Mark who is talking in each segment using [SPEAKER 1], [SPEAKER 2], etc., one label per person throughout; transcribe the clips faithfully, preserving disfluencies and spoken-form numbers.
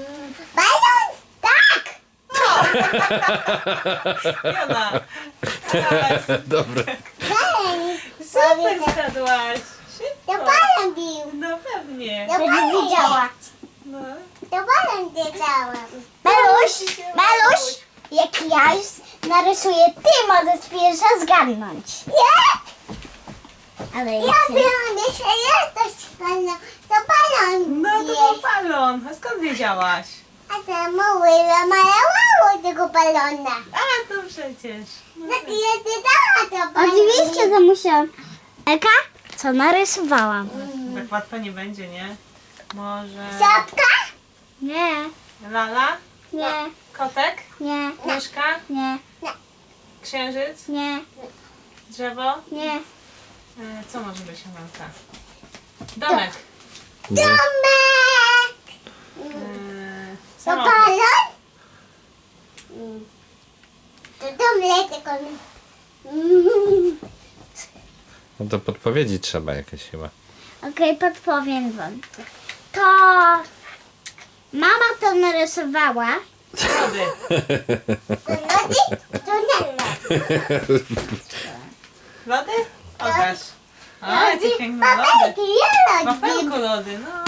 [SPEAKER 1] Balon! Tak!
[SPEAKER 2] Jona. Tak.
[SPEAKER 3] Dobra.
[SPEAKER 1] Balon!
[SPEAKER 2] Super zgadłaś.
[SPEAKER 1] To
[SPEAKER 2] Szybko.
[SPEAKER 1] balon bił.
[SPEAKER 2] No pewnie.
[SPEAKER 1] To balon widziała.
[SPEAKER 2] No.
[SPEAKER 1] To balon wiedziałam. Maluś, Maluś, jak ja już narysuję, ty możesz pierwsza zgadnąć. Nie! Ale ja byłam jeszcze jakoś balon. To balon
[SPEAKER 2] No to był balon. A skąd wiedziałaś?
[SPEAKER 1] A to mały namalowało tego balona.
[SPEAKER 2] A, to przecież. No
[SPEAKER 1] Tak
[SPEAKER 2] tak.
[SPEAKER 1] ja ty dała to balon. Oczywiście, że musiałam. Eka, co narysowałam?
[SPEAKER 2] Tak łatwo nie będzie, nie? Może...
[SPEAKER 1] Czapka? Nie,
[SPEAKER 2] Lala?
[SPEAKER 1] nie,
[SPEAKER 2] Kotek?
[SPEAKER 1] nie,
[SPEAKER 2] Myszka?
[SPEAKER 1] nie,
[SPEAKER 2] Księżyc?
[SPEAKER 1] nie,
[SPEAKER 2] Drzewo?
[SPEAKER 1] nie.
[SPEAKER 2] E, Co może być Amelka? Domek?
[SPEAKER 1] Domek!
[SPEAKER 2] E,
[SPEAKER 1] To
[SPEAKER 2] Samochód?
[SPEAKER 1] balon? To dom tylko.
[SPEAKER 3] No to podpowiedzi trzeba jakieś chyba.
[SPEAKER 1] Okej, podpowiem wam. To mama to narysowała.
[SPEAKER 2] Lody.
[SPEAKER 1] To lody? To nie lody.
[SPEAKER 2] Lody? Pokaż. A, jakie piękne lody.
[SPEAKER 1] Babelki, ja lody.
[SPEAKER 2] Wafelku lody, no.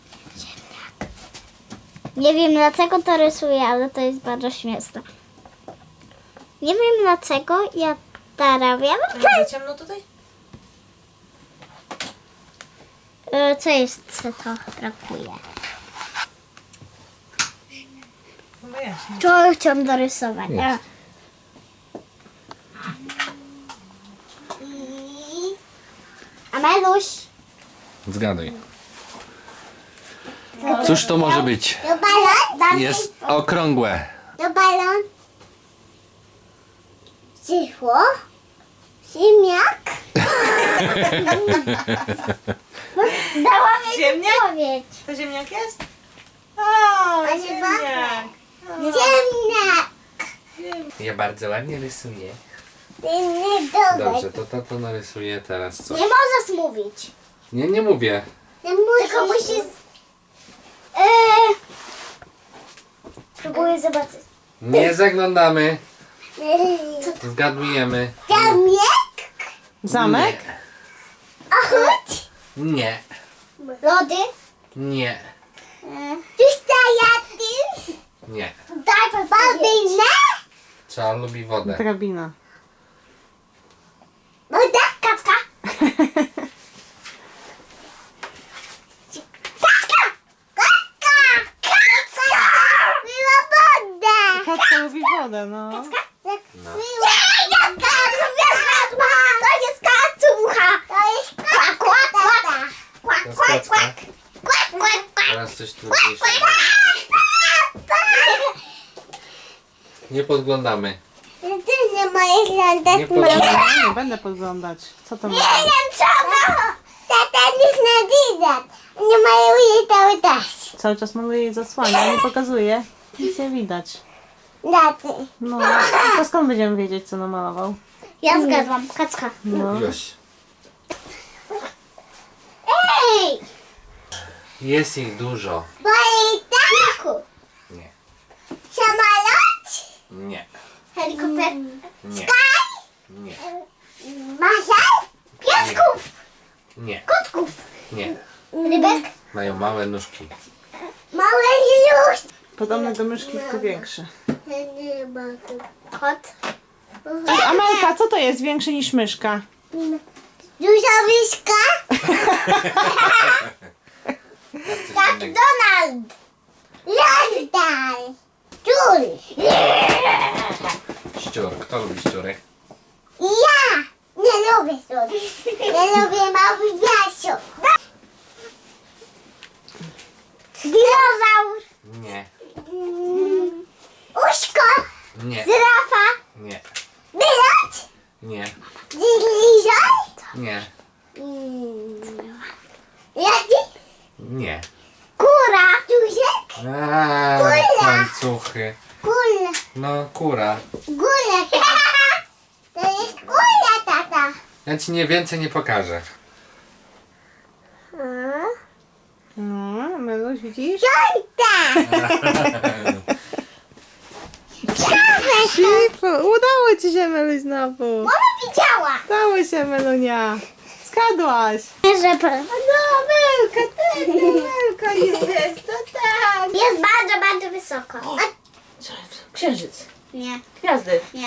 [SPEAKER 1] Nie wiem dlaczego to rysuję, ale to jest bardzo śmieszne. Nie wiem dlaczego ja to robię.
[SPEAKER 2] A jest za ciemno tutaj?
[SPEAKER 1] E, Co jest, co to brakuje?
[SPEAKER 2] No jaśnie.
[SPEAKER 1] Co chciałam dorysować?
[SPEAKER 3] Jest.
[SPEAKER 1] A Meluś?
[SPEAKER 3] Zgaduj. Cóż to może być?
[SPEAKER 1] To balon?
[SPEAKER 3] Jest okrągłe.
[SPEAKER 1] To balon? Cicho? Ziemniak? Dała mi
[SPEAKER 2] Ziemniak?
[SPEAKER 1] odpowiedź.
[SPEAKER 2] To ziemniak jest? O,
[SPEAKER 1] A nie
[SPEAKER 2] ziemniak.
[SPEAKER 1] Ziemniak.
[SPEAKER 3] Ja bardzo ładnie rysuję.
[SPEAKER 1] Inny domek.
[SPEAKER 3] Dobrze, to tato narysuje teraz coś.
[SPEAKER 1] Nie możesz mówić.
[SPEAKER 3] Nie, nie mówię.
[SPEAKER 1] Nie musisz. Tylko musisz... Eee... Próbuję zobaczyć.
[SPEAKER 3] Nie zaglądamy.
[SPEAKER 1] Co
[SPEAKER 3] Zgadujemy.
[SPEAKER 1] Zamek?
[SPEAKER 2] Zamek?
[SPEAKER 1] Ochód?
[SPEAKER 3] Nie.
[SPEAKER 1] Lody?
[SPEAKER 3] Nie.
[SPEAKER 1] Tustajaty?
[SPEAKER 3] Nie.
[SPEAKER 1] Daj babinę?
[SPEAKER 3] Trzeba lubi wodę.
[SPEAKER 2] Drabina.
[SPEAKER 1] Woda? Kaczka? Kaczka! Kaczka! Kaczka! Miła woda!
[SPEAKER 2] Kaczka lubi wodę, no.
[SPEAKER 3] No.
[SPEAKER 1] Nie, jaka lubię To jest kacucha! To jest kłak, kłak, kłak! Kłak,
[SPEAKER 3] To jest
[SPEAKER 1] kłak,
[SPEAKER 3] kocka.
[SPEAKER 1] kłak! Kłak, kłak, kłak!
[SPEAKER 3] Teraz coś trudniejszego. Nie podglądamy.
[SPEAKER 1] Ty nie możesz oglądać
[SPEAKER 3] Nie podglądamy.
[SPEAKER 2] Ja nie będę podglądać. Co to
[SPEAKER 1] Nie
[SPEAKER 2] ma?
[SPEAKER 1] wiem co to! Tata nic nie widać. Nie mają jej cały czas.
[SPEAKER 2] Cały czas maluje jej zasłania, nie pokazuje. Nic nie widać.
[SPEAKER 1] Daty.
[SPEAKER 2] No, to skąd będziemy wiedzieć, co namalował?
[SPEAKER 1] Ja zgadzam. Kacka.
[SPEAKER 2] No.
[SPEAKER 3] Już.
[SPEAKER 1] Ej!
[SPEAKER 3] Jest ich dużo.
[SPEAKER 1] Bajtaku!
[SPEAKER 3] Nie.
[SPEAKER 1] Samolot?
[SPEAKER 3] Nie.
[SPEAKER 1] Helikopter?
[SPEAKER 3] Nie.
[SPEAKER 1] Sky?
[SPEAKER 3] Nie.
[SPEAKER 1] Masal? Piasków?
[SPEAKER 3] Nie.
[SPEAKER 1] Kotków?
[SPEAKER 3] Nie.
[SPEAKER 1] Rybek?
[SPEAKER 3] Mają małe nóżki.
[SPEAKER 1] Małe już.
[SPEAKER 2] Podobny do myszki, tylko większy.
[SPEAKER 1] Kot?
[SPEAKER 2] Amelka, co to jest większy niż myszka?
[SPEAKER 1] Duża wiska? Tak, Donald! London! Jul!
[SPEAKER 3] Ściur. Kto lubi ściury?
[SPEAKER 1] Ja! Nie lubię słody. Nie lubię mały Jasiu. Dinozaur!
[SPEAKER 3] Nie.
[SPEAKER 1] Mm, Uszko!
[SPEAKER 3] Nie.
[SPEAKER 1] Żyrafa!
[SPEAKER 3] Nie.
[SPEAKER 1] Wylot!
[SPEAKER 3] Nie.
[SPEAKER 1] Lizor!
[SPEAKER 3] Nie.
[SPEAKER 1] Mm, Jaki?
[SPEAKER 3] Nie.
[SPEAKER 1] Kura! Duziek?
[SPEAKER 3] Aaa,
[SPEAKER 1] Kula.
[SPEAKER 3] łańcuchy.
[SPEAKER 1] Kula!
[SPEAKER 3] No, kura.
[SPEAKER 1] Gula, tata! To jest kula, tata!
[SPEAKER 3] Ja ci nie więcej nie pokażę.
[SPEAKER 1] A?
[SPEAKER 2] No, Ameluś Maluś, widzisz?
[SPEAKER 1] Piąta!
[SPEAKER 2] Szybko, udało ci się, Meluś, znowu.
[SPEAKER 1] Mama widziała!
[SPEAKER 2] Udało się, Melunia. Skadłaś.
[SPEAKER 1] Że po-
[SPEAKER 2] No, Melka, tak, to Melka jest, to tak.
[SPEAKER 1] Jest bardzo, bardzo wysoko. A,
[SPEAKER 2] Co jest? Księżyc.
[SPEAKER 1] nie,
[SPEAKER 2] Gwiazdy.
[SPEAKER 1] nie.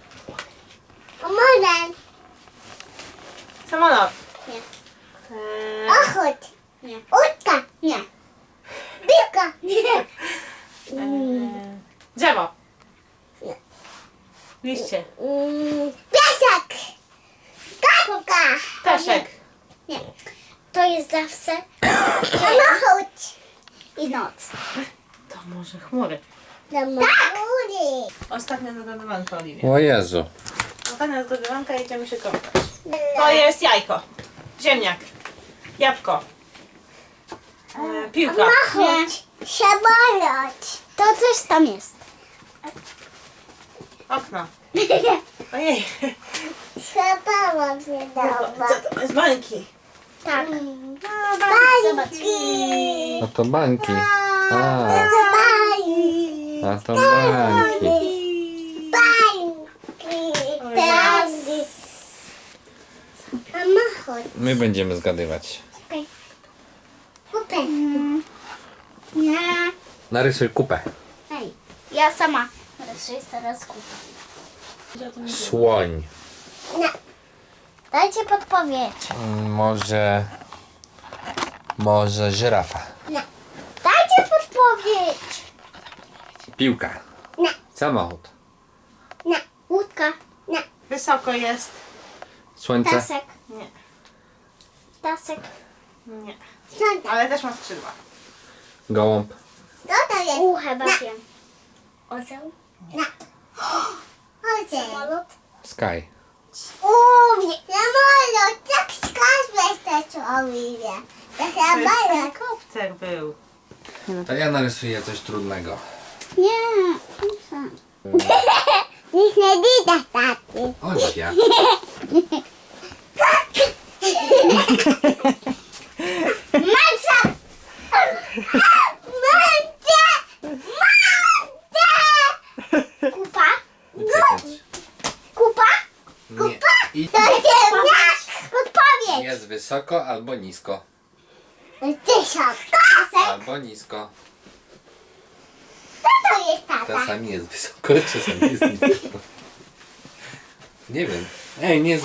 [SPEAKER 1] Pomogę.
[SPEAKER 2] Samolot.
[SPEAKER 1] Nie.
[SPEAKER 2] Eee,
[SPEAKER 1] Ochód. Nie. Łódka. Nie. Piłka. Nie.
[SPEAKER 2] eee, drzewo.
[SPEAKER 1] Nie.
[SPEAKER 2] Liście.
[SPEAKER 1] Mm, piasek. Kapka.
[SPEAKER 2] Ptaszek.
[SPEAKER 1] Nie. To jest zawsze samochód. I noc.
[SPEAKER 2] To może chmury.
[SPEAKER 1] Tak.
[SPEAKER 2] Ostatnia zgadywanka, Oliwia.
[SPEAKER 3] O Jezu.
[SPEAKER 2] Ostatnia zgadywanka, jedziemy się kąpać. To jest jajko. Ziemniak. Jabłko. Eee, piłka.
[SPEAKER 1] Samochód. Samolot. To coś tam jest.
[SPEAKER 2] Okno. Ojej.
[SPEAKER 1] Samolot nie dawa.
[SPEAKER 2] Co to jest? Bańki.
[SPEAKER 1] Tak.
[SPEAKER 2] No,
[SPEAKER 1] Bańki.
[SPEAKER 3] No to bańki. A,
[SPEAKER 1] Bańki.
[SPEAKER 3] a to bańki.
[SPEAKER 1] Bańki. Teraz. Samochód.
[SPEAKER 3] My będziemy zgadywać.
[SPEAKER 1] Okej. Kupę. Nie.
[SPEAKER 3] Narysuj kupę.
[SPEAKER 1] Ej, ja sama rysuję teraz kupę.
[SPEAKER 3] Słoń.
[SPEAKER 1] Nie. Dajcie podpowiedź.
[SPEAKER 3] Mm, Może... Może żyrafa.
[SPEAKER 1] Nie. Dajcie podpowiedź.
[SPEAKER 3] Piłka.
[SPEAKER 1] Nie.
[SPEAKER 3] Samochód.
[SPEAKER 1] Nie. Łódka. Nie.
[SPEAKER 2] Wysoko jest.
[SPEAKER 3] Słońce.
[SPEAKER 1] Ptasek.
[SPEAKER 2] Nie.
[SPEAKER 1] Ptasek.
[SPEAKER 2] Nie.
[SPEAKER 1] Sąda.
[SPEAKER 2] Ale też ma skrzydła.
[SPEAKER 3] Gołąb.
[SPEAKER 1] Co to jest? U, chyba wiem. Ozeł? Nie. Ozeł. Samolot?
[SPEAKER 3] Sky.
[SPEAKER 1] Uuu, samolot. Tak skazłeś to człowieka. To
[SPEAKER 2] To jest
[SPEAKER 1] samolot.
[SPEAKER 2] helikopter był.
[SPEAKER 3] To ja narysuję coś trudnego.
[SPEAKER 1] Nie. Nic nie widać taty.
[SPEAKER 3] Oliwia.
[SPEAKER 1] Maca! Maca! Maca! Kupa?
[SPEAKER 3] Uciekać.
[SPEAKER 1] Kupa?
[SPEAKER 3] Nie. I
[SPEAKER 1] To ziemniak! Odpowiedź!
[SPEAKER 3] jest wysoko albo nisko.
[SPEAKER 1] Tysiąc. Pasek?
[SPEAKER 3] Albo nisko.
[SPEAKER 1] Co to jest tata?
[SPEAKER 3] Czasami jest wysoko, czasami jest nisko. Nie wiem. Ej, nie z...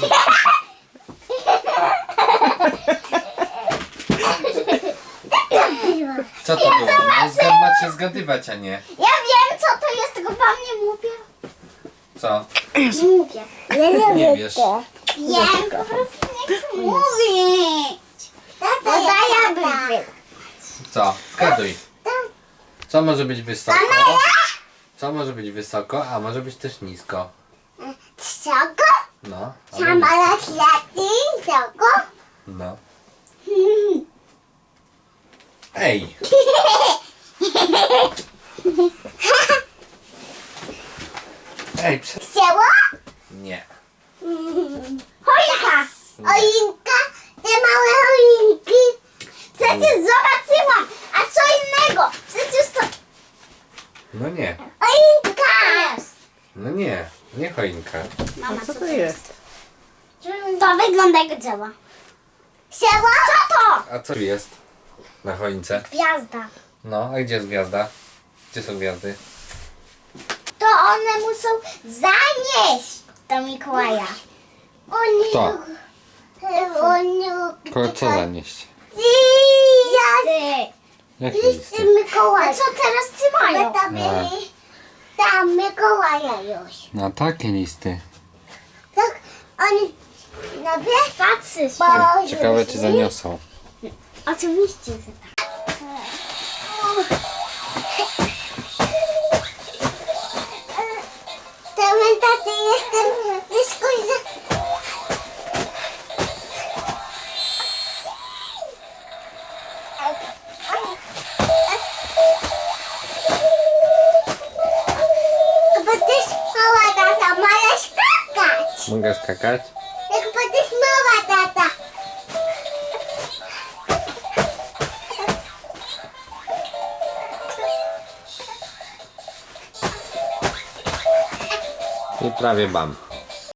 [SPEAKER 3] Co to było? No, zgad macie zgadywać, a nie.
[SPEAKER 1] Ja wiem co to jest, tylko wam nie mówię.
[SPEAKER 3] Co?
[SPEAKER 1] Nie mówię. Ja
[SPEAKER 3] Nie wiesz.
[SPEAKER 1] Wiem, po prostu nie chcę mówić. Bo daję bym.
[SPEAKER 3] Co? Zgaduj. Co może być wysoko? Co może być wysoko, a może być też nisko?
[SPEAKER 1] Wysoko?
[SPEAKER 3] No. albo nisko.
[SPEAKER 1] Samolot leci wysoko?
[SPEAKER 3] No. Ej! Ej, prze...
[SPEAKER 1] Chciało?
[SPEAKER 3] Nie.
[SPEAKER 1] Choinka! Choinka? Te małe choinki? Przecież zobaczyłam! A co innego? Przecież to
[SPEAKER 3] No nie.
[SPEAKER 1] choinka!
[SPEAKER 3] No nie. Nie choinka.
[SPEAKER 1] Mama,
[SPEAKER 2] A co to jest?
[SPEAKER 1] To wygląda jak drzewo. Chciało? Co to?
[SPEAKER 3] A co tu jest? Na choince?
[SPEAKER 1] Gwiazda.
[SPEAKER 3] No, a gdzie jest gwiazda? Gdzie są gwiazdy?
[SPEAKER 1] To one muszą zanieść do Mikołaja. Oni...
[SPEAKER 3] Kto?
[SPEAKER 1] Oni...
[SPEAKER 3] Ko co zanieść?
[SPEAKER 1] Listy.
[SPEAKER 3] Jakie
[SPEAKER 1] Listy
[SPEAKER 3] listy?
[SPEAKER 1] Mikołaja. A co teraz trzymają? Tam,
[SPEAKER 3] A.
[SPEAKER 1] tam Mikołaja już.
[SPEAKER 3] No takie listy.
[SPEAKER 1] Tak, oni... No wiesz? Patrzy się.
[SPEAKER 3] Ciekawe czy zaniosą.
[SPEAKER 1] Oczywiście, że tak. Ten taty jestem blisko i za... Będziesz mała tata, możesz skakać.
[SPEAKER 3] Mogę skakać?
[SPEAKER 1] Jak będziesz mała tata.
[SPEAKER 3] I prawie bam.